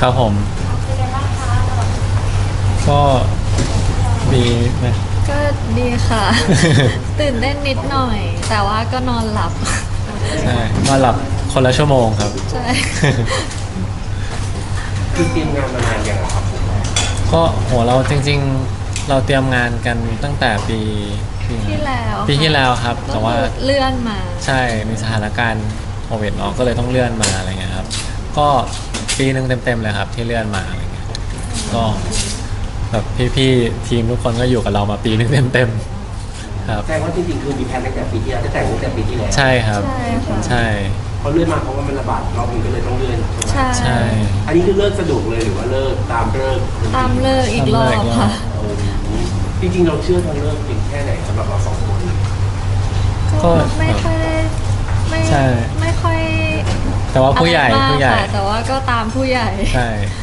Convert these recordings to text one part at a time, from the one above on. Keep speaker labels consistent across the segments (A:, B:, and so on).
A: ครับผม
B: เป็นไงบ้างคะ
A: ก็ดีนะ
C: ก็ดีค่ะ ตื่นเต้นนิดหน่อย แต่ว่าก็นอนหลับ
A: ใช่นอนหลับคนละชั่วโมงครับ
C: ใช่
B: คือเตรียมงานมานานยังอะครับผม
A: ก็โหเราจริงๆเราเตรียมงานกันตั้งแต่
C: ที่แล้ว
A: ปีที่แล้วครับ
C: ก็
A: แต่ว่า
C: คือเลื่อนมา
A: ใช่มีสถานการณ์โควิดเนาะก็เลยต้องเลื่อนมาอะไรเงี้ยครับก็ปีหนึ่งเต็มๆเลยครับที่เลื่อนมาอะไรเงี้ยก็แบบพี่ๆทีมทุกคนก็อยู่กับเรามาปีหนึ่งเต็มๆครับ
B: แสดงว่าจริงๆคือมีแผนตั้งแต่ปีที่แล้วจะแต่งตั้งแต่ปีที่แล้ว
A: ใช่ครับ
C: ใช่ค่ะ
A: ใช่
B: เขาเลื่อนมาเพราะว่ามันระบาดรอบนึงก็เลยต้องเลื่อนใช่ไหม
C: ใช่
A: ใช่
B: อันนี้คือเลิกสะดวกเลยหรือว่าเลิกตามเลิก
C: ตามเลิกอีกรอบค่ะ
B: โอ้จริงๆเราเชื่อทางเลิกจริงแค่ไหนสำหรับเราสองคน
C: ก็ไม่ค่อยได้ไม่
A: ใช่
C: ไม่ค่อย
A: แต่ว่าผู้ใหญ่
C: อะไรมาก
A: ผู้ใหญ่
C: ค่ะแต่ว่าก็ตามผู้ใหญ่
A: ใช่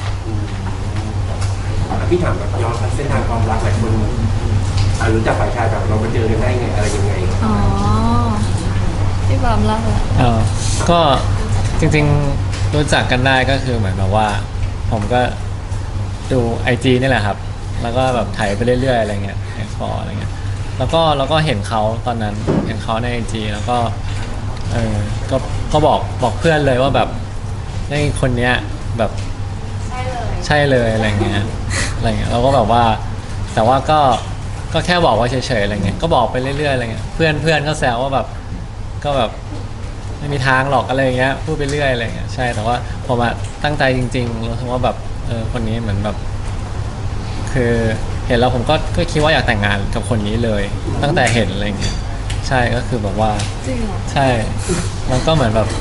B: พี่ถามแบบย้อนเส้นทางความรักหลายคนรู้จักฝ่ายชายแบบเราไปเจอกันได้ไงอะไรยังไง
C: อ๋อพี่บอมเล่าละ
A: ก็จริงๆรู้จักกันได้ก็คือเหมือนแบบว่า ผมก็ดูไอจีนี่แหละครับ แล้วก็แบบถ่ายไปเรื่อยๆอะไรเงี้ยแอคพออะไรเงี้ยแล้วก็เห็นเขาตอนนั้นเห็นเขาในไอจีแล้วก็เออก็บอกเพื่อนเลยว่าแบบในคนเนี้ยแบบใช่เลยอะไรเงี้ยเราก็แบบว่าแต่ว่าก็แค่บอกว่าเฉยๆอะไรเงี้ยก็บอกไปเรื่อยๆอะไรเงี้ยเพื่อนก็แซวว่าแบบก็แบบไม่มีทางหรอกอะไรเงี้ยพูดไปเรื่อยอะไรเงี้ยใช่แต่ว่าผมอะตั้งใจจริงๆรู้สึกว่าแบบคนนี้เหมือนแบบคือเห็นแล้วผมก็คิดว่าอยากแต่งงานกับคนนี้เลย ตั้งแต่เห็นอะไรเงี้ยใช่ก็คือแบบว่า
C: จริงเหรอ
A: ใช่มันก็เหมือนแบบ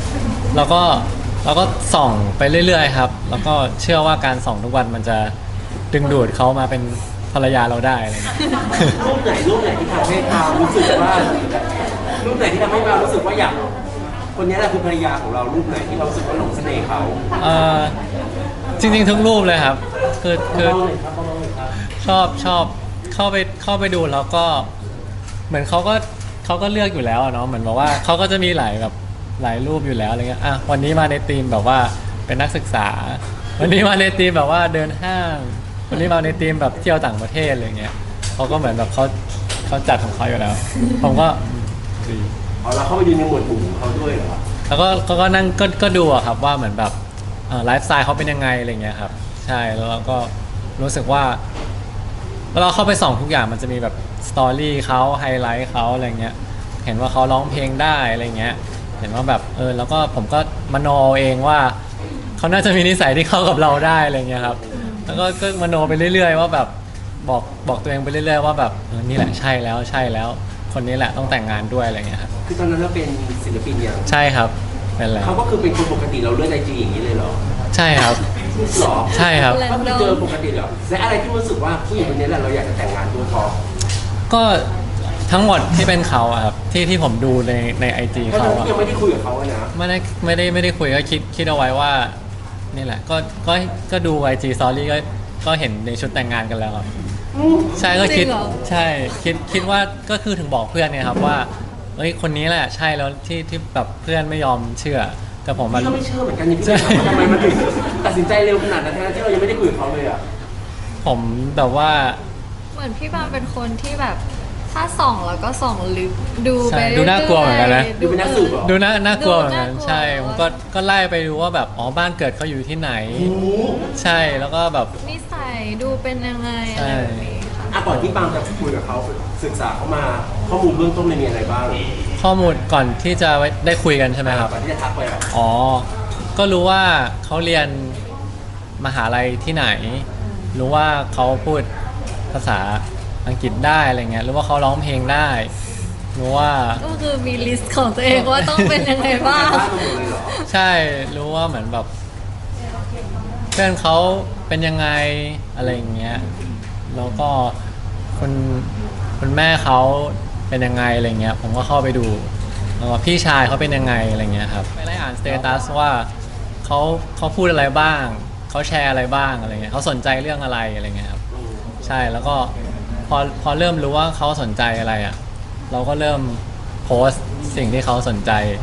A: เราก็ส่องไปเรื่อยๆครับ แล้วก็เชื่อว่าการส่องทุกวันมันจะดึงดูดเขามาเป็นภรรยาเราได้อะไรเงี้ย
B: รูปไหนที่ทำให้เรารู้สึกว่ารูปไหนที่ทำให้เรารู้สึกว่าอยากคนนี้แหละคือภรรยาของเรารูปไหนที่เรารู้สึกว่าหลงเสน่ห์เขา
A: เอ่อจริงๆทุกรูปเลยครับคือ
B: เล่าเลยครับเล่าเลยครับ
A: ชอบเข้าไปดูแล้วก็เหมือนเขาก็เลือกอยู่แล้วอะเนาะเหมือนบอกว่าเขาก็จะมีหลายรูปอยู่แล้วอะไรเงี้ยอ่ะวันนี้มาในธีมแบบว่าเป็นนักศึกษา วันนี้มาในธีมแบบว่าเดินห้าง วันนี้มาในธีมแบบเที่ยวต่างประเทศอะไรเงี้ยเขาก็เหมือนแบบเขาจัดของเขาอยู่แล้ว ผมก็ดี
B: อ๋อเราเข้าไปดูในหมวดหมู่ของเขาด้วยเหรอ
A: แล้วก็นั่งก็ดูอะครับว่าเหมือนแบบไลฟ์สไตล์เขาเป็นยังไงอะไรเงี้ยครับใช่แล้วเราก็รู้สึกว่าเวลาเราเข้าไปส่องทุกอย่างมันจะมีแบบสตอรี่เขาไฮไลท์เขาอะไรเงี้ยเห็นว่าเขาร้องเพลงได้อะไรเงี้ยเห็นว่าแบบแล้วก็ผมก็มโนเองว่าเขาน่าจะมีนิสัยที่เข้ากับเราได้อะไรเงี้ยครับแล้วก็มโนไปเรื่อยๆว่าแบบบอกตัวเองไปเรื่อยๆว่าแบบนี่แหละใช่แล้วคนนี้แหละต้องแต่งงานด้วยอะไรเงี้ยครับ
B: คือตอนนั้นเราเป็นศิลปินอย่าง
A: ใช่ครับเป็นแล้ว
B: เขาก็คือเป็นคนปกติเราเลื่อนไอจีอย่างนี้เลยเหรอ
A: ใช่ครับ
B: หรอ
A: ใช่ครับ
B: ก็คือเจอปกติเหรอและอะไรที่รู้สึกว่าผู้หญิงคนนี้แหละเราอยากจะแต่งงานด้วยเพราะ
A: ก็ทั้งหมดที่เป็นเขาอะครับที่ผมดูในไอจี
B: เพราะ
A: เขา
B: เรา
A: อะ
B: ยังไม่ได้คุยกับเขาอะนะ
A: ไม่ได้คุยก็คิดเอาไว้ว่านี่แหละก็ดูไอจีสตอรี่ก็เห็นในชุดแต่งงานกันแล้วครับใช่ก็คิด
C: จริงเหรอ
A: ใช่คิดว่าก็คือถึงบอกเพื่อนเนี่ยครับว่าเฮ้ยคนนี้แหละใช่แล้วที่แบบเพื่อนไม่ยอมเชื่อแต่ผมมัน
B: พี่ก็ไม่เชื่อเหมือนกันนี่พี่ถามว่าทำไมมันถึงตัดสินใจเร็วขนาดนั้นทั้งที่เรายังไม่ได้คุยกับเขาเลยอะ
A: ผมแบบว่า
C: เหมือนพี่บอมเป็นคนที่แบบถ้าส่องแล้วก็ส่องลึกดู
A: ใช่
C: ไป
A: ดูน่ากลัวเหมือนกันนะ
B: ดูเป็นนักสืบเหรอ
A: ดูน่ากลัวเหมือนกัน
C: ดูน่ากลัว
A: ใช่ผมก็ไล่ไปดูว่าแบบอ๋อบ้านเกิดเขาอยู่ที่ไหน
B: โอ้โห
A: ใช่แล้วก็แบบ
C: นิสัยดูเป็นยังไงอะไรแบบนี้ค่ะ
B: อ่ะก่อนที่ปาล์มจะคุยกับเขาศึกษาเขามาข้อมูลเบื้องต้นมันมีอะไรบ้าง
A: ข้อมูลก่อนที่จะได้คุยกันใช่ไหมครับ
B: ก่อนที่จะทักไปอะ
A: อ๋อ ก็รู้ว่าเขาเรียนมหาลัยที่ไหน รู้ว่าเขาพูดภาษาอังกฤษได้อะไรเงี้ย รู้ว่าเขาร้องเพลงได้ รู้ว่า
C: ก็คือมีลิสต์ของตัวเองว่าต้องเป็นยังไงบ้าง
B: บ้านมันหมดเลยเหรอ
A: ใช่ รู้ว่าเหมือนแบบเพื่อนเขาเป็นยังไงอะไรอย่างเงี้ย แล้วก็คุณแม่เขาเป็นยังไงอะไรเงี้ย ผมก็เข้าไปดูแล้วว่าพี่ชายเขาเป็นยังไงอะไรเงี้ยครับไปไล่อ่านสเตตัสว่าเขาพูดอะไรบ้าง เขาแชร์อะไรบ้างอะไรเงี้ยเขาสนใจเรื่องอะไรอะไรเงี้ยครับ ใช่ แล้วก็พอเริ่มรู้ว่าเขาสนใจอะไรอ่ะ เราก็เริ่มโพสต์สิ่งที่เขาสนใจ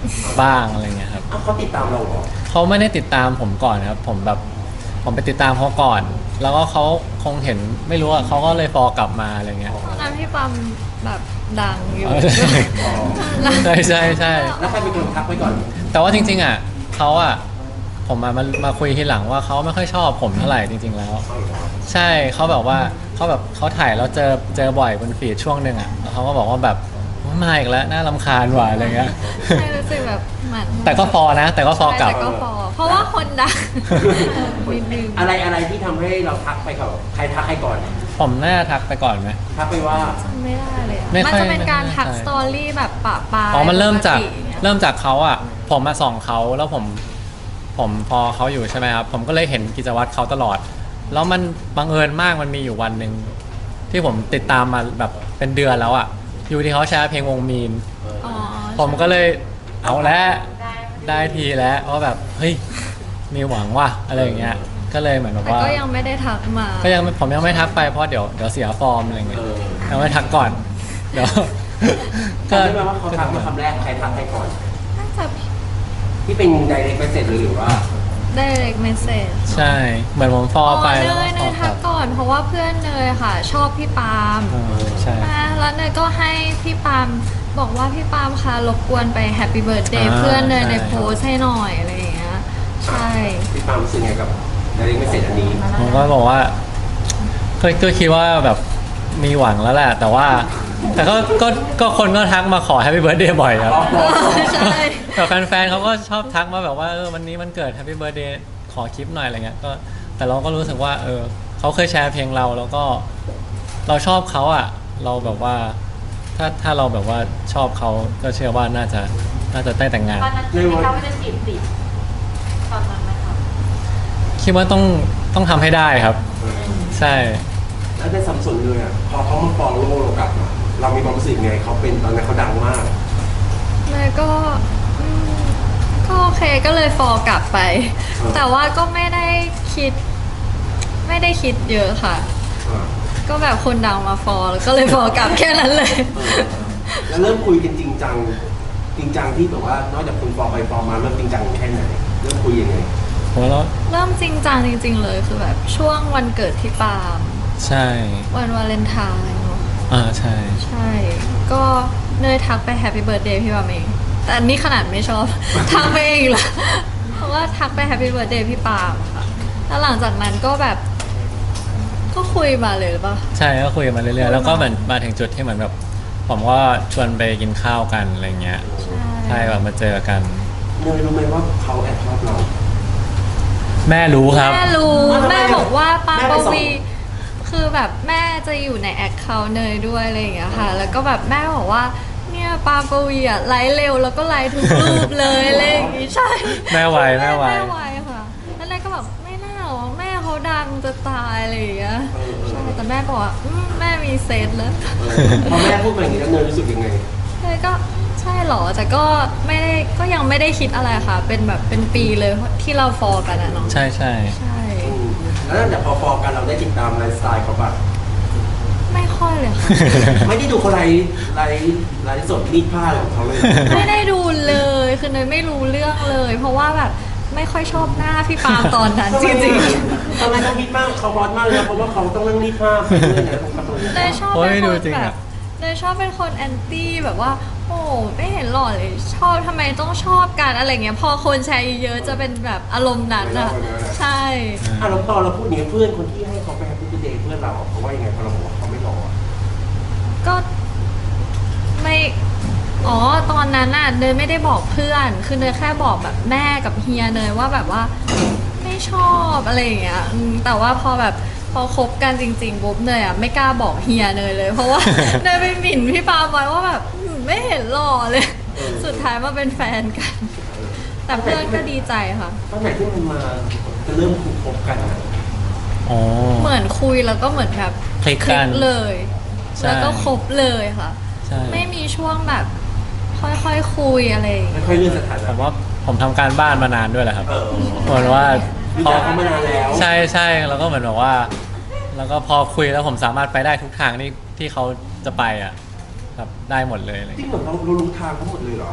A: บ้างอะไรเงี้ยครับ
B: อ้าวเขาติดตามเราเหรอ
A: เขาไม่ได้ติดตามผมก่อนครับผมไปติดตามเขาก่อน แล้วก็เขาคงเห็นไม่รู้อะเขาก็เลยฟอลกลับมาอะไรเงี้ย
C: ตอนนั้นพี่ปั๊มแบบดังอยู่
A: ใช่ใช่ใช่
B: แล้วใครเป็นคนทักไปก่อน
A: แต่ว่าจริงๆอ่ะเขาอ่ะผมมาคุยทีหลังว่าเขาไม่ค่อยชอบผมเท่าไหร่จริง ๆแล้ว ใช่เขาแบบว่าเขาถ่ายแล้วเจอบ่อยบนฟีดช่วงหนึ่งอ่ะแล้วเขาก็บอกว่าแบบมาอีกแล้วน่ารำคาญว่ะอะไรเงี้ย
C: ใช่รู้สึกแบบเหมือน
A: แต่ก็ฟอนะ แต่ก็ฟอกลับ
C: แต่ก็ฟอเพราะว่าคนดังนิดนึง
B: อะไรที่ทำให้เราทักไปกับใครทักให้ก่อน
A: ผมน่าทักไปก่อนไหม
B: ทักไปว่า
C: จำไม่ได้เลยอะ
A: ไม่
C: มัน
A: ค่อย
C: จะเป็นการทัก
A: ไม่ค่อย
C: สตอรี่แบบปะปาย
A: อ๋อมันเริ่มจาก
C: ปกติเนี่ย
A: เขาอ่ะผมมาส่องเขาแล้วผมพอเขาอยู่ใช่ไหมครับผมก็เลยเห็นกิจวัตรเขาตลอด แล้วมันบังเอิญมากมันมีอยู่วันหนึ่งที่ผมติดตามมาแบบเป็นเดือนแล้วอ่ะอยู่ที่เขาแชร์เพลงวงมีน
C: อ๋อ
A: ผมก็เลยเอาแล้วได้ทีแล้วว่าแบบเฮ้ยมีหวังว่ะอะไรอย่างเงี้ยก็เลยเหมือนแบบ
C: แต่
A: ว่า
C: ก็ยังไม่ได้ทักมา
A: ผมยังไม่ทักไปเพราะเดี๋ยวเสียฟอร์มอะไรเงี้ย
B: เออ
A: ยังไม่ทักก่อนเดี๋ยว
B: จำได้ไหมว่าเขาทักมาคำแรกใครทักให้ก่อน
C: น่าจะ
B: ที่เป็น direct message หรือว่า
C: direct message
A: ใช่เหมือนผมฟอ
C: อ๋
A: ร์ไป
C: อเน
A: แล้วก็
C: ย
A: ฟอร์ก
C: ทั
A: ลั
C: ก
A: บ
C: ก่อนเพราะว่าเพื่อนเนยค่ะ ชอบพี่ปาล์ม
A: ใช่
C: แล้วเนยก็ให้พี่ปาล์มบอกว่าพี่ปาล์มคะรบกวนไปแฮปปี้เบิร์ดเดย์
A: อ่า
C: เพื่อนเนย
A: ใช่
C: ในโพสต์ให้หน่อยอะไรอย่างเงี้ยใช่
B: พี่ปาล์มรู้สึกไงกับ direct message อันนี้
A: ผมก็บอกว่าก็คิดว่าแบบมีหวังแล้วแหละ แต่ก็คนก็ทักมาขอแฮปปี้เบิร์ดเดย์บ่อยครับ
C: ใช่
A: แบบแฟนๆเขาก็ชอบทักมาแบบว่าวันนี้มันเกิดแฮปปี้เบิร์ดเดย์ขอคลิปหน่อยอะไรเงี้ยก็แต่เราก็รู้สึกว่าเขาเคยแชร์เพลงเราแล้วก็เราชอบเขาอ่ะ เราแบบว่าถ้าเราแบบว่าชอบเขาก็เชื่อว่าน่าจะได้แต่งงาน
D: ตอนนั้นคิดไหมคะว่าจะจีบติดตอนนั้นไหมคะ
A: คิดว่าต้องทำให้ได้ครับ ใช่
B: แล้วได้สัมสนเลยอ่ะพอเขามาฟอลโล่เรากลับมาเรามีความรู้สึกไงเขาเป็นตอนนั้นเขาดังมาก
C: เนยก็ก็โอเคก็เลยฟอลกลับไป แต่ว่าก็ไม่ได้คิดเยอะค่ะ ก็แบบคนดังมาฟอลแล้วก็เลยฟอลกลับแค่นั้นเลย
B: แล้วเริ่มคุยกันจริงจังที่แบบว่านอกจากคุณฟอลไปฟอลมาเริ่มจริงจังแค่ไหนเริ่มคุยยังไง
A: ผมแล้ว
C: เริ่มจริงจังจริง ๆ เลยคือแบบช่วงวันเกิดที่ปาล์ม
A: ใช่
C: วันวาเลนไทน์เนาะ
A: ใช่
C: ใช่ ก็เนยทักไปแฮปปี้เบิร์ดเดย์พี่ปาล์มเอง แต่อันนี้ขนาดไม่ชอบ ทักไปเองละเพราะว่าทักไปแฮปปี้เบิร์ดเดย์พี่ปาล์มค่ะแล้วหลังจากนั้นก็แบบ ก็คุยมาเลยหรือเปล่า
A: ใช่ก็คุยกันมาเรื่อยๆแล้วก็เหมือนมาถึงจุดที่เหมือนแบบผมก็ชวนไปกินข้าวกันอะไรเงี้ย ใช่แบบมาเจอกัน
B: เนยรู้ไหมว่าเขาแอบชอบเรา
A: แม่รู้ครับ
C: แม่รู้
B: ทำไม
C: แม่บอกว่าปา
B: แม่
C: ป
B: ไปส่ง
C: วีคือแบบแม่จะอยู่ในแอคเคาท์เนยด้วยอะไรอย่างเงี้ยค่ะ แล้วก็แบบแม่บอกว่าเนี่ยปาปวีอะไลฟ์เร็วแล้วก็ไลฟ์ทุกรูปเลยอะไรอย่างงี้ใช่
A: แม่ไวแม่ไว
C: แม่ไวค่ะแล้วเนยก็แบบไม่น่าหรอกแม่เขาดังจะตายอะไรอย่างเงี้ยใช่แต่แม่บอกว่าแม่มีเซตแล้ว
B: พอแม่พูดมาอย่างนี้แล้วเนยรู้สึกยังไง
C: เลยก็ใช่เหรอแต่ก็ไม่ได้ก็ยังไม่ได้คิดอะไรค่ะ เป็นแบบเป็นปีเลยที่เราฟอลกันอะเนาะ
A: ใช่ใช่
C: ใช่
B: แล้วตั้งแต่พอฟอลกันเราได้ติดตามไลฟ์สไตล์เขาปะ
C: ไม่ค่อยเลยค่ะ
B: ไม่ได้ดูเขาไลฟ์สดรีดผ้าอะไรของเขาเลย
C: ไม่ได้ดูเลยคือเนยไม่รู้เรื่องเลย เพราะว่าแบบไม่ค่อยชอบหน้าพี่ปาล์มตอนนั้นจริง
B: ตอนนั้นเขาฮิตมากเขาฮอตมากเลยนะเพราะว่าเขาต้องนั่งรีดผ้าไปเรื่อยนะของเขา
C: ๆเนยชอบ
A: โอ้ย
C: เป็น
A: ดู
C: คน
A: จริง
C: แบ
A: อะ
C: บเนยชอบเป็นคนแอนตี้แบบว่า โอ้ไม่เห็นหล่อเลยชอบทำไมต้องชอบกันอะไรเงี้ยพอคนแชร์เยอะๆจะเป็นแบบอารมณ์นั้นอะใช่
B: อ่ะเราพอเราพูดอย่างนี้เพื่อนคนที่ให้เขาไปแฮปปี้เดย์เพื่อนเราเขาว่ายังไงพอเราบอกว่าเขาไม่รอ
C: ก็ไม่อ๋อตอนนั้นน่ะเนยไม่ได้บอกเพื่อน คือเนยแค่บอกแบบแม่กับเฮียเนยว่าแบบว่าไม่ชอบอะไรอย่างเงี้ยแต่ว่าพอแบบพอคบกันจริงๆปุ๊บเนยอ่ะไม่กล้าบอกเฮียเนยเลย เพราะว่า เนยไปหมิ่นพี่ปาล์มไว้ว่าแบบไม่เห็นหล่อเลย สุดท้ายมาเป็นแฟนกัน แต่เพื่อนก็ดีใจค่ะ
B: ตอนไหนที่มันมาจะเริ่มคบกันอะ
A: อ๋อ
C: เหมือนคุยแล้วก็เหมือนแบบ
A: คลิกกัน
C: เลย
A: ใช่
C: แล้วก็คบเลยค่ะ
A: ใช่
C: ไม่มีช่วงแบบ ค่อยๆคุยอะไรอย่างเงี้ย
B: ไม่ค่อยเลื่อนสถา
A: ผ
B: นะ
A: มว่าผมทำการบ้านมานานด้วยแหละครับ
B: เออ
A: เหมือนว่า
B: รู้จักเขามานานแล้ว
A: ใช่ใช่แล้วก็เหมือนแบบว่า แล้วก็พอคุยแล้วผมสามารถไปได้ทุกทางที่เขาจะไปอ่ะแบบได้หมดเลยอะไร
B: จริง
A: เงี้ย
B: เหมือนเรารู้ทางเขาหมดเลยเหรอ
A: ก็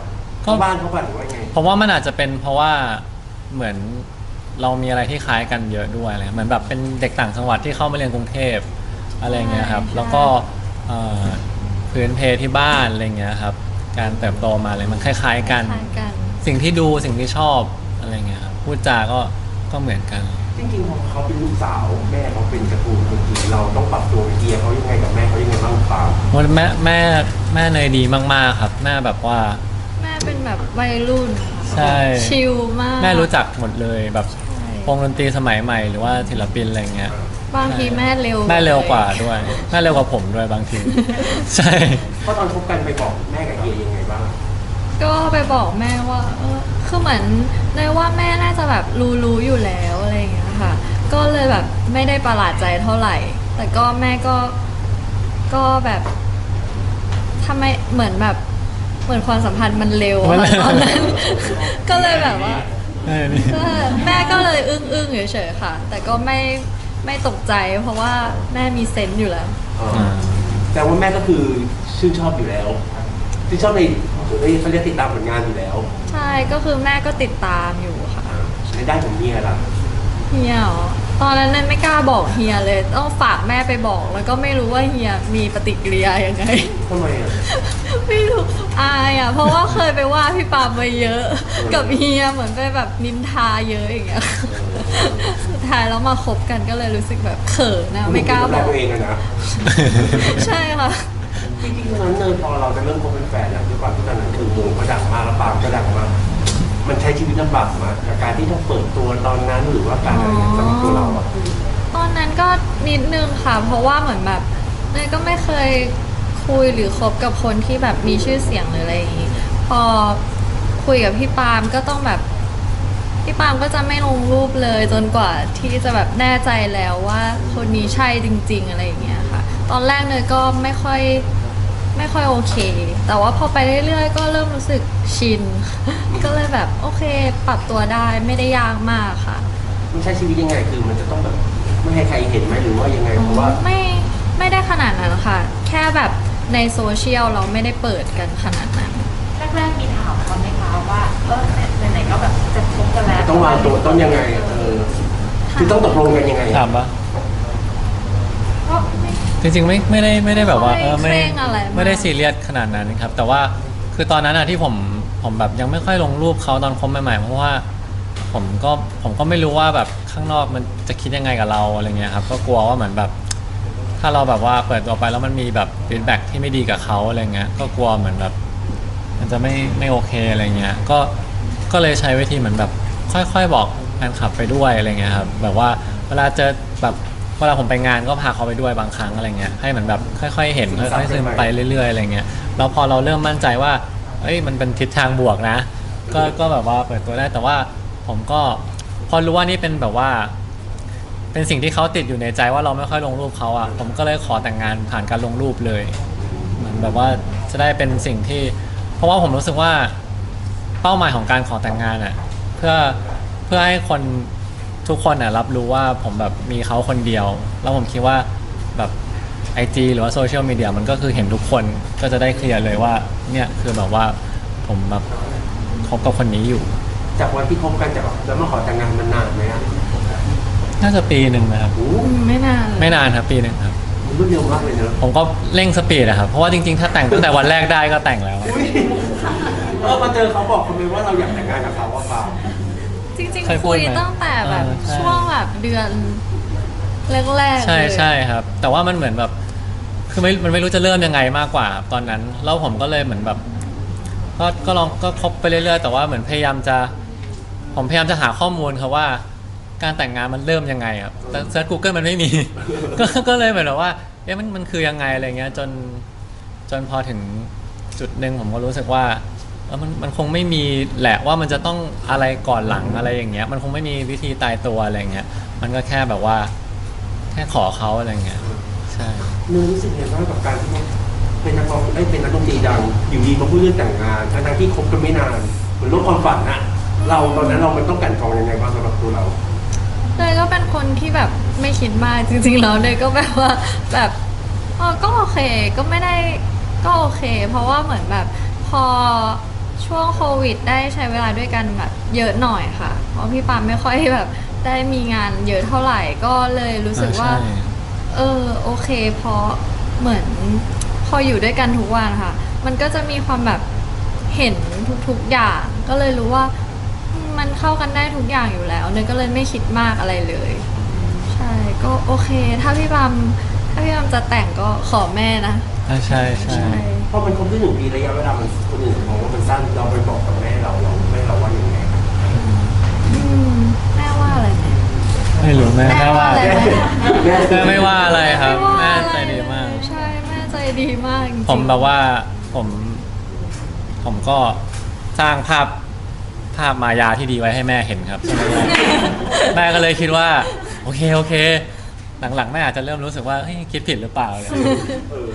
B: เข้าบ้านเขาบ้านหรือว่าไง
A: ผมว่ามันอาจจะเป็นเพราะว่าเหมือนเรามีอะไรที่คล้ายกันเยอะด้วยอะไรเหมือนแบบเป็นเด็กต่างจังหวัดที่เข้ามาเรียนกรุงเทพอะไรเงี้ยครับ
C: ใช่
A: แล้วก็พื้นเพที่บ้านอะไรเงี้ยครับการเติบโตมาอะไรมันคล้ายๆกัน
C: คล้ายกัน
A: สิ่งที่ดูสิ่งที่ชอบอะไรเงี้ยครับพูดจาก็เหมือนกัน
B: จริงๆพอเขาเป็นลูกสาวแม่เขาเป็นการ์ตูนคนจีนเราต้องปรับตัวเฮียเขายังไงกับแม่เขายังไงบ้างครับ
A: วันแม่เนยดีมากๆครับแม่แบบว่า
C: แม่เป็นแบบวัยรุ่นค่ะ
A: ใช่
C: ชิลมาก
A: แม่รู้จักหมดเลยแบบ
C: ใช่
A: วงดนตรีสมัยใหม่หรือว่าศิลปินอะไรเงี้ย
C: บางทีแม่เร็ว
A: แม่เร็วกว่าด้วยแม่เร็วกว่าผมด้วยบางที ใช่
B: เพราะตอนคบกันไปบอกแม่กับเฮียยังไงบ้าง
C: ก็ไปบอกแม่ว่าคือเหมือนเลยว่าแม่น่าจะแบบรู้อยู่แล้วอะไรอย่างเงี้ยค่ะ ก็เลยแบบไม่ได้ประหลาดใจเท่าไหร่ แต่ก็แม่ก็แบบทำไมเหมือนแบบเหมือนความสัมพันธ์มันเร็วอะตอนนั้น ก็เลยแบบว่า แม่ก็เลยอึ้งเฉยๆค่ะ แต่ก็ไม่ตกใจเพราะว่าแม่มีเซนส์อยู่แล้ว
B: แต่ว่าแม่ก็คือชื่นชอบอยู่แล้วชื่นชอบในเขาเรียกติดตามผลงานอยู่แล้ว
C: ใช่ก็คือแม่ก็ติดตามอยู่ค่ะ
B: ในด้านของเฮียล่ะ
C: เฮียเหรอตอนนั้นไม่กล้าบอกเฮียเลย ต้องฝากแม่ไปบอก แล้วก็ไม่รู้ว่าเฮียมีปฏิกิริยายังไง
B: ทำไมอ่ะ
C: ไม่รู้อายอ่ะ เพราะว่าเคยไปว่าพี่ปาไปเยอะ กับเฮียเหมือนไปแบบนินทาเยอะอย่างเงี้ย สุดท้ายแล้วมาคบกันก็เลยรู้สึกแบบเขินนะไม่กล้าบอก
B: ตัวเองอะนะ
C: ใช่ค่ะ
B: จริงๆตอนนั้นเนยพอเราจะเริ่มคบเป็นแฟนอะด้วยความที่ตอนนั้นคือวงก็ดังมากแล้วปามก็ดังมากมันใช้ชีวิตลำบากมากกับการที่ต้องเปิดตัวตอนนั้นหรือว่าการอะไรอย่างเงี้ยสำหรับตัวเราอะ
C: ตอนนั้นก็นิดนึงค่ะ เพราะว่าเหมือนแบบเนยก็ไม่เคยคุยหรือคบกับคนที่แบบมีชื่อเสียงหรืออะไรอย่างงี้ พอคุยกับพี่ปาล์มก็ต้องแบบพี่ปาล์มก็จะไม่ลงรูปเลยจนกว่าที่จะแบบแน่ใจแล้วว่าคนนี้ใช่จริง ๆอะไรอย่างเงี้ยค่ะ ตอนแรกเนยก็ไม่ค่อยโอเค แต่ว่าพอไปเรื่อยๆ ก็เริ่มรู้สึกชิน ก็เลยแบบโอเค ปรับตัวได้ไม่ได้ยากมากค่ะ
B: มันใช้ชีวิตยังไงคือมันจะต้องแบบไม่ให้ใครเห็นไหมหรือว่ายังไงเพราะว่า
C: ไม่ได้ขนาดนั้นค่ะ แค่แบบในโซเชียลเราไม่ได้เปิดกันขนาดนั้น
D: แรกๆมีถามเขาไหมคะว่าไหนๆก็แบบจะคบกันแล้ว
B: ต้องวางตัวต้องยังไงคือต้องตกลงกันยังไง
A: ถามปะ
C: ก็ไม่
A: จริงๆไม่ได้แบบว่า
C: ไม่เคร่งอะไรมาก
A: ไม่ได้ซีเรียสขนาดนั้นครับ แต่ว่าคือตอนนั้นอะที่ผมแบบยังไม่ค่อยลงรูปเขาตอนคบใหม่ๆเพราะว่าผมก็ไม่รู้ว่าแบบข้างนอกมันจะคิดยังไงกับเราอะไรเงี้ยครับก็กลัวว่าเหมือนแบบ ถ้าเราแบบว่าเปิดตัวไปแล้วมันมีแบบฟีดแบ็กที่ไม่ดีกับเขาอะไรเงี้ยก็กลัวเหมือนแบบมันจะไม่โอเคอะไรเงี้ยก็เลยใช้วิธีเหมือนแบบค่อยๆบอกแฟนคลับไปด้วยอะไรเงี้ยครับแบบว่าเวลาเจอแบบเวลาผมไปงานก็พาเขาไปด้วยบางครั้งอะไรเงี้ยให้เหมือนแบบค่อยๆเห็นค่อยๆซึมไปเรื่อยๆอะไรเงี้ยแล้วพอเราเริ่มมั่นใจว่าเอ้ยมันเป็นทิศทางบวกนะก็แบบว่าเปิดตัวได้แต่ว่าผมก็พอรู้ว่านี่เป็นแบบว่า เป็นสิ่งที่เขาติดอยู่ในใจว่าเราไม่ค่อยลงรูปเขาอ่ะผมก็เลยขอแต่งงานผ่านการลงรูปเลยเหมือนแบบว่าจะได้เป็นสิ่งที่ เพราะว่าผมรู้สึกว่าเป้าหมายของการขอแต่งงานอ่ะเพื่อให้คนทุกคนอ่ะรับรู้ว่าผมแบบมีเขาคนเดียว แล้วผมคิดว่าแบบ IG หรือว่าโซเชียลมีเดียมันก็คือเห็นทุกคนก็จะได้เคลียร์เลยว่าเนี่ยคือแบบว่าผมแบบคบกับคนนี้อยู่
B: จากวันที่คบกันจากแล้วมาขอแต่งงานมันนานไหมอ่ะ
A: น่าจะปีหนึ่งนะครับ
B: โอ้
C: ไม่นานเลย
A: ไม่นานครับปีหนึ่งครับ
B: มันรวดเร็วมากเลยเนอะ
A: ผมก็เร่งสปีดอะครับ เพราะว่าจริงๆ ถ้าแต่งตั้งแต่วันแรกได้ก็แต่งแล้ว
B: อุ๊ยมาเจอเขาบอกเขาไหมว่าเราอยากแต่งงานกับเขาว่าเปล่า
C: จริง
A: เคย
C: ๆ
A: พู
C: คุ
A: ด
C: ย
A: ไหม
C: ตั้งแต่แบบ
A: ใช่
C: ช่วงแบบเดือนแรกๆ
A: ใช่
C: เลย
A: ใช่ครับ แต่ว่ามันเหมือนแบบ คือมันไม่รู้จะเริ่มยังไงมากกว่าครับตอนนั้น แล้วผมก็เลยเหมือนแบบ ก็ลองก็คบไปเรื่อยๆ แต่ว่าเหมือนผมพยายามจะหาข้อมูลครับว่า การแต่งงานมันเริ่มยังไงครับแต่เซิร์ช Google มันไม่มี ก็เลยเหมือนแบบว่าเอ๊ะมันคือยังไงอะไรเงี้ยจนพอถึงจุดหนึ่งผมก็รู้สึกว่ามันคงไม่มีแหละว่ามันจะต้องอะไรก่อนหลังอะไรอย่างเงี้ยมันคงไม่มีวิธีตายตัวอะไรเงี้ยมันก็แค่แบบว่าแค่ขอเขาอะไรเงี้ยใช่
B: เนยรู้สึกยังไงบ้างกับการที่เป็นนักร้องเป็นนักดนตรีดังอยู่ดีมาพูดเรื่องแต่งงานทั้งๆที่คบกันไม่นานเหมือนโลกความฝันอะเราตอนนั้นเรามันต้องกลั่นกรองยังไงบ้างสำหรับตัวเรา
C: เลยก็เป็นคนที่แบบไม่คิดมากจริงๆแล้วเลยก็แบบว่าแบบก็โอเคก็ไม่ได้ก็โอเค เพราะว่าเหมือนแบบพอชช่วงโควิดได้ใช้เวลาด้วยกันแบบเยอะหน่อยค่ะ เพราะพี่ปามไม่ค่อยแบบได้มีงานเยอะเท่าไหร่ก็เลยรู้สึกว่า
A: ใช่
C: โอเคเพราะเหมือนพออยู่ด้วยกันทุกวันค่ะ มันก็จะมีความแบบเห็นทุกๆอย่าง ก็เลยรู้ว่ามันเข้ากันได้ทุกอย่างอยู่แล้วเนยก็เลยไม่คิดมากอะไรเลย ใช่ก็โอเค ถ้าพี่บามจะแต่งก็ขอแม่นะ
A: ใช่ใช่
C: ใช่
B: พอมันครบที่1 ปีระยะเวลามันคนอื่นมองว่ามันสั้นเราไปบอกกับแม่เราแม่เราว่าอย่างไง
C: อืมแม่ว่าอะไรไหม
A: ไม่รู้แม่
C: แม่ว่าอะไรไหม
A: แม่ไม่ว่าอะไรครับ
C: ไม่ว่า
A: แม่
C: อะไร
A: ใจดีมาก
C: ใช่แม่ใจดีมากจริงๆ
A: ผมแบบว่าผมก็สร้างภาพมายาที่ดีไว้ให้แม่เห็นครับใช่ไหมแม่ก็เลยคิดว่า โอเค หลังๆแม่อาจจะเริ่มรู้สึกว่าเฮ้ยคิดผิดหรือเปล่าเลย
B: เออ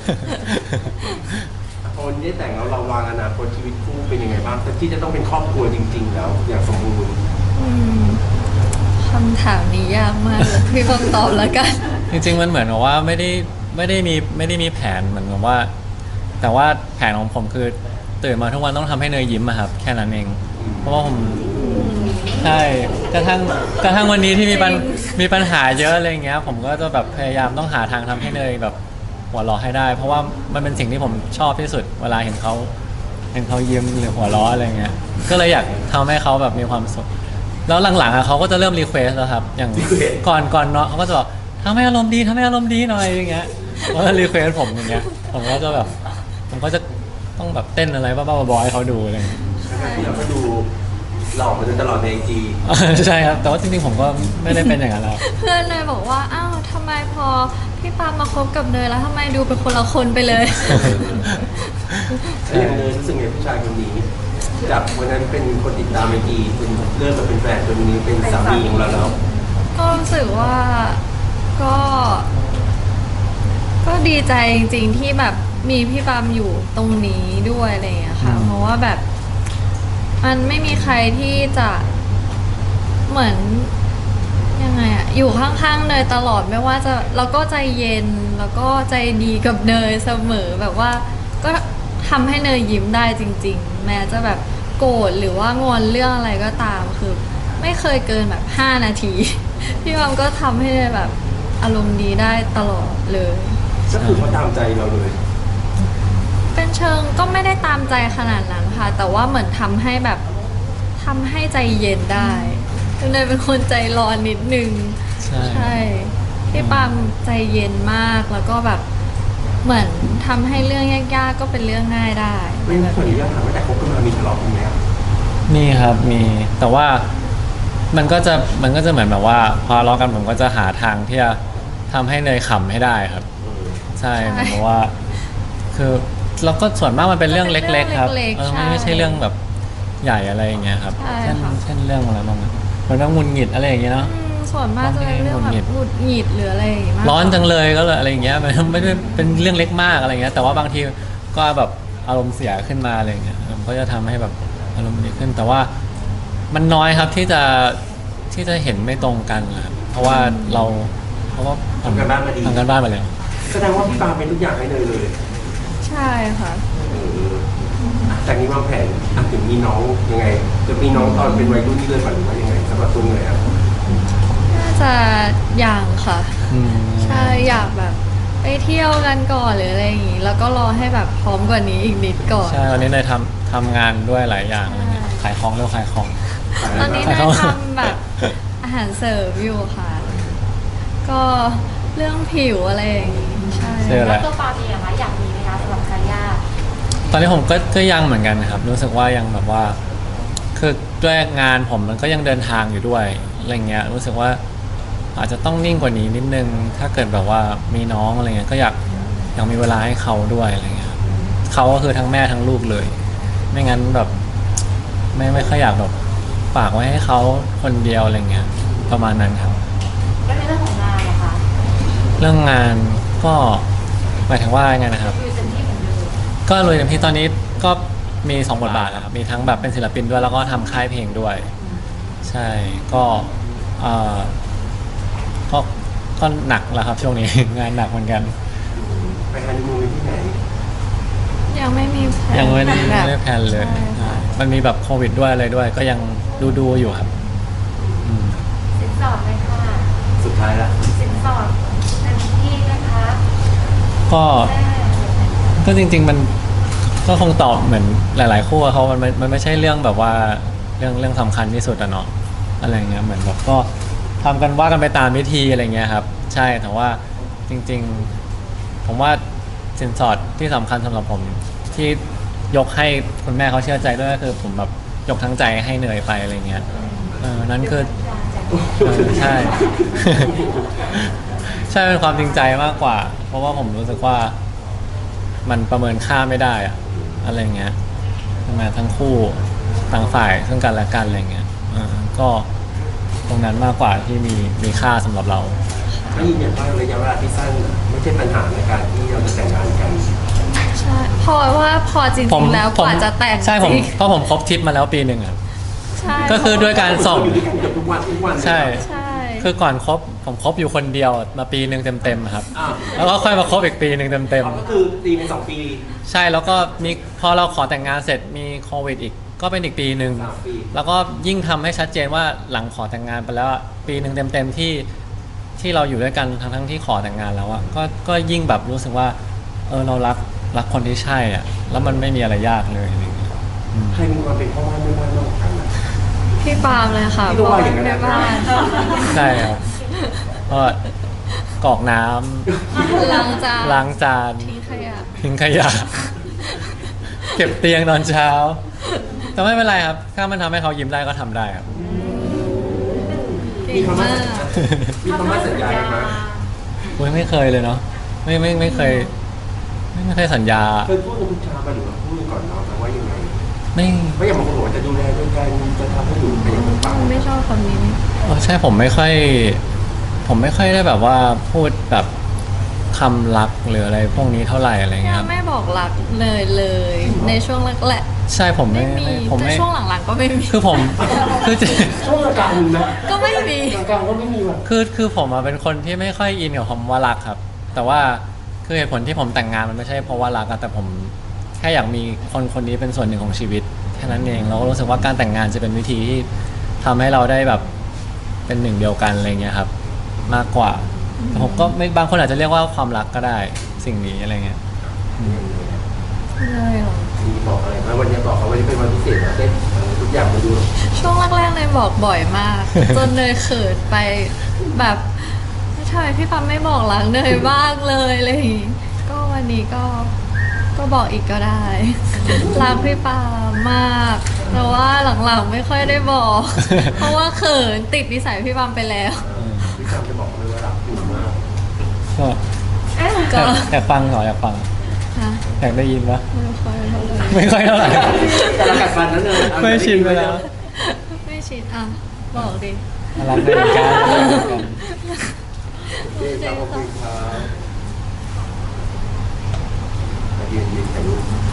B: พอวันนี้ได้แต่งแล้วเราวางอนาคตชีวิตคู่เป็นยังไงบ้างแต่ที่จะต้องเป็นครอบครัวจริง ๆ แล้วอย่างสมบูรณ์
C: อืมคำถามนี้ยากมากเลยพี่บอมตอบแล้วกัน
A: จริงๆมันเหมือนกับว่าไม่ได้มีแผนเหมือนกับว่า แต่ว่าแผนของผมคือตื่นมาทุกวันต้องทำให้เนยยิ้มอะครับ แค่นั้นเอง เพราะว่าผมใช่กระทั่งวันนี้ที่มีปัญหาเยอะอะไรอย่างเงี้ย ผมก็จะแบบพยายามต้องหาทางทำให้เนยแบบหัวเราะให้ได้ เพราะว่ามันเป็นสิ่งที่ผมชอบที่สุดเวลาเห็นเขายิ้มหรือหัวเราะอะไรเงี้ยก็เลยอยากทำให้เขาแบบมีความสุขแล้วหลังๆอะเขาก็จะเริ่มรีเควสแล้วครับ อย่างก่อนเนาะเขาก็จะบอกทำให้อารมณ์ดีหน่อยอย่างเงี้ยเขาจะรีเควสผมอย่างเงี้ยผมก็จะต้องแบบเต้นอะไรบ้าๆบอๆให้เขาดูอะไรเงี้ย
B: ที่เราก็ดูหล่อมาโดยตลอดในไอจี
A: ใช่ครับแต่ว่าจริงๆผมก็ไม่ได้เป็นอย่างนั้นแล้ว
C: เพื่อนเนยบอกว่าอ้าวทำไมพอพี่ปามมาคบกับเนยแล้วทำไมดูเป็นคนละคนไปเลย
B: แล้วอย่างเนยรู้สึกไงผู้ชายคนนี้จากวันนั้นเป็นคนติดตามไอจีเป็นเลิกกับเป็นแฟนจนวันนี้เป็นสามีของเราแล้ว
C: ก็รู้สึกว่าก็ก็ดีใจจริงๆที่แบบมีพี่ปามอยู่ตรงนี้ด้วยอะไรอย่างเงี้ยค่ะ เพราะว่าแบบมันไม่มีใครที่จะเหมือนยังไงอะอยู่ข้างๆเนยตลอดไม่ว่าจะแล้วก็ใจเย็นแล้วก็ใจดีกับเนยเสมอแบบว่าก็ทำให้เนยยิ้มได้จริง ๆ แม้จะแบบโกรธหรือว่างอนเรื่องอะไรก็ตามคือไม่เคยเกินแบบ5 นาที พี่ปามก็ทำให้เนยแบบอารมณ์ดีได้ตลอดเลย
B: ก็คือเขาตามใจเราเลย
C: เป็นเชิงก็ไม่ได้ตามใจขนาดนั้นค่ะ แต่ว่าเหมือนทำให้แบบทำให้ใจเย็นได้เนยเป็นคนใจร้อนนิดนึง
A: ใช่
C: พี่ปามใจเย็นมากแล้วก็แบบเหมือนทำให้เรื่องยากๆก็เป็นเรื่องง่ายได้
B: ไม่ขออนุญาตถามว่าแต่คบกันมามีทะเลาะกันไหมครับ
A: มีครับมีแต่ว่ามันก็จะเหมือนแบบว่าพอทะเลาะกันผมก็จะหาทางที่จะทำให้เนยขำให้ได้ครับ ใช่เหมือนกับว่า คือเราก็ส่วนมากมันเป็นเรื่องเล็กๆครับไม่ใช่เรื่องแบบใหญ่อะไรอย่างเงี้ยครับเช่นเรื่องอะไรบ้างอะเหมือนว่าหงุดหงิดอะไรอย่างเงี้ยเนาะ
C: ส่วนมากจะเป็นเรื่องแบบหงุดหงิดหรืออะไรอย่างงี้มาก
A: ร้อนจังเลยก็เลยอะไรอย่างเงี้ยมันไม่ได้เป็นเรื่องเล็กมากอะไรเงี้ยแต่ว่าบางทีก็แบบอารมณ์เสียขึ้นมาอะไรอย่างเงี้ยมันก็จะทำให้แบบอารมณ์ดีขึ้น แต่ว่ามันน้อยครับที่จะเห็นไม่ตรงกันนะครับเพราะว่าเขาก็
B: ทำกันบ้านมาดี
A: ทำกันบ้านมาแล้ว
B: แสดงว่าพี่ปาเป็นทุกอย่างให้เนยเลย
C: ใช่ค่ะ
B: เออจากนี้วางแผนถึงมีน้องยังไง จะมีน้องตอนเป็นวัยรุ่นที่เลยฝันหรือว่ายังไงสำหรับตัวเนยครับ
C: น่าจะอย่างค่ะ
A: อืม
C: ใช่อยากแบบไปเที่ยวกันก่อนหรืออะไรอย่างงี้ แล้วก็รอให้แบบพร้อมกว่านี้อีกนิดก่อน
A: ใช่วันนี้เนยทำงานด้วยหลายอย่างอะไรเงี้ยขายของเร็วขายของ
C: ตอนนี้
A: ใช่
C: เน
A: ครั
C: ย
A: บ
C: ทำแบบอาหารเสริมอยู่ค่ะ ก็เรื่องผิวอะไรอย่างงี้ใช่
A: เสื้ออะไร
D: แล้วตัวปาเองอะอยากมีไหมคะสำหรับคาริยา
A: ตอนนี้ผมก็ยังเหมือนกันครับ รู้สึกว่ายังแบบว่า คือด้วยงานผมมันก็ยังเดินทางอยู่ด้วยอะไรเงี้ยรู้สึกว่าอาจจะต้องนิ่งกว่านี้นิดนึง ถ้าเกิดแบบว่ามีน้องอะไรเงี้ยก็อยากมีเวลาให้เขาด้วยอะไรเงี้ยครับเขาก็คือทั้งแม่ทั้งลูกเลย ไม่งั้นแบบไม่ค่อยอยากแบบฝากไว้ให้เขาคนเดียวอะไรเงี้ยประมาณนั้นครับ
D: แล้วในเรื่องของงานนะคะ
A: เรื่องงานก็หมายถึงว่าไงนะครับ
D: คือเต็มที่เหมือนเดิม
A: ก็เลยเต็มที่ตอนนี้ก็มี2 บทบาทนะครับมีทั้งแบบเป็นศิลปินด้วยแล้วก็ทำค่ายเพลงด้วย ใช่ก็เอ่อก็ก็หนักแล้วครับช่วงนี้ งานหนักเหมือนกัน
B: ไปฮันนีมูนที่ไหน
C: ยังไม่มีแผน
A: ยังไม่ได้
C: แบบ
A: แพลนเลย
C: ใช่
A: ใช่มันมีแบบโควิดด้วยอะไรด้วย ก็ยังดูอยู่ครับอืม
D: สินสอดเลยค่ะ
B: สุดท้ายละ
D: สินสอดเต็มที่นะคะ
A: ก็
D: แม่
A: ก็จริง ๆ มันก็คงตอบเหมือนหลาย ๆ คู่อะเขามันไม่ใช่เรื่องแบบว่าเรื่องสำคัญที่สุดอะเนาะอะไรเงี้ยเหมือนแบบก็ทำกันว่ากันไปตามวิธีอะไรเงี้ยครับใช่แต่ว่าจริง ๆ ผมว่าสินสอดที่สำคัญสำหรับผมที่ยกให้คุณแม่เขาเชื่อใจด้วยก็คือผมแบบยกทั้งใจให้เนยไปอะไรเงี้ยนั่นคือใช่ ใช่เป็นความจริงใจมากกว่า เพราะว่าผมรู้สึกว่ามันประเมินค่าไม่ได้อะอะไรเงี้ยมาทั้งคู่ต่างฝ่ายซึ่งกันและกันอะไรเงี้ยก็ตรงนั้นมากกว่าที่มีค่าสำหรับเรา
B: ไม่ยืนยันว่าระยะเวลาที่สั้นไม่ใช่ปัญหาในการที่เราจะแต่งงานกัน
C: ใช่พอว่าพอจริงๆแล้วกว่าจะแต่ง
A: ใช่ผม
C: จริง
A: เพราะผมครบทริปมาแล้วปีหนึ่งอะ
C: ใช่
A: ก็คือด้วยการส่ง
B: อยู่ด้วยกันเกับทุกวันเลย
A: ใช่
C: ใช่
A: คือก่อนครบผมครบอยู่คนเดียวมาปีหนึ่งเต็มๆครับ
B: อ่า
A: แล้วก็ค่อยมาครบอีกปีหนึ่งเต็ม
B: ก็คือตีเป็น2 ปี
A: ๆใช่แล้วก็มีพอเราขอแต่งงานเสร็จมีโควิดอีกก็เป็นอีกปีหนึ่ง
B: 3 ปี
A: แล้วก็ยิ่งทำให้ชัดเจนว่าหลังขอแต่งงานไปแล้วอะปีหนึ่งเต็มๆที่เราอยู่ด้วยกันทั้งที่ขอแต่งงานแล้วอะก็ยิ่งแบบรู้สึกว่าเรารักคนที่ใช่อ่ะแล้วมันไม่มีอะไรยากเลยอะไรอย่างเงี้ย
B: ใครมีความเป็นพ่อบ้านแม่บ้านมากกว่ากันอะ
C: พี่ปาล์มเลยค่ะ
B: พี่ก็ว่าอย่างนั้น
C: แม่บ้าน
A: ใช่ครับก็กรอกน้
C: ล้างจาน
A: ำล้างจาน
C: ทิ้งขยะ
A: ทิ้งขยะ เก็บเตียงตอนเช้า แต่ไม่เป็นไรครับ ถ้ามันทำให้เขายิ้มได้ก็ทำได้ครับ
C: เก่
B: มี
C: ง
B: คำ
C: มา
B: ว่าก มีคำว่าสัญญาไหม
A: อุ๊ยไม่เคยเลยเนาะไม่เคยไม่เคยสัญญา
B: เคยพูดกับคุณชาไปหรือว่าพูดก่อนเนาะแต่ว่ายังไง
A: ไม่
B: ไม่อย่างบางคนบอกว่าจะดูแลด้วยกันจะทำให้อยู่เป็นอย่างเป็นปัง
C: ไม่ชอบคำนี้
A: ใช่ผมไม่ค่อยได้แบบว่าพูดแบบคำรักหรืออะไรพวกนี้เท่าไหร่อะไรเงี้ยครับ
C: ไม่บอกรักเลย ในช่วงแรกแหละ
A: ใช่ผม
C: ไม่มี
A: ผม
C: แต่
A: ไม่
C: ช่วงหลังๆก็ไม่มี
A: คือผมคือ
B: ช่วงกลางๆมีนะ
C: ก็ไม่มี
B: กลางๆก็ไม่มีว่ะ
A: คือผมอะเป็นคนที่ไม่ค่อยอินกับคำว่ารักครับ แต่ว่าคือเหตุผลที่ผมแต่งงานมันไม่ใช่เพราะว่ารักอะแต่ผมแค่อยากมีคนนี้เป็นส่วนหนึ่งของชีวิตแค่นั้นเองเราก็รู้สึกว่าการแต่งงานจะเป็นวิธีที่ทำให้เราได้แบบเป็นหนึ่งเดียวกันอะไรเงี้ยครับ มากกว่าแต่ผมก็ไม่บางคนอาจจะเรียกว่าความรักก็ได้สิ่งนี้อะไรเงี้ย
C: เลยเหรอ
B: มีบอกอะไรไหมวันนี้บอกเขาวันนี้เป็นวันพิเศษนะได้ทุกอย่างมาดู
C: ช่วงแรกๆเนยบอกบ่อยมาก จนเนยเขินไปแบบทำไมพี่ปั๊มไม่บอกรักเนยบ้างเลยอะไรอย่างงี้ก็วันนี้ก็บอกอีกก็ได้ รักพี่ปามมากแต่ว่าหลังๆไม่ค่อยได้บอก เพราะว่าเขินติดนิสัยพี่ปามไปแล้ว
B: พี่ชามจะบอกเลยว่ารักอยู่มาก
A: ก็
C: ก็
A: อยากฟังเหรออยากฟัง
C: ฮะ
A: อยากได้ยินปะ
C: ไม่ค่อยเท่าไหร่
A: ไม่ค่อยเท่าไหร่
B: แต่ละกัดฟันนั้นเลย
A: ไม่ชินไปแล้ว
C: ไม่ชินอ่ะบอกดิ
A: รักได้เหมือนกันรักได้เหมือนกัน
B: โอเคครับขอบคุณครับยืนถ่ายรูป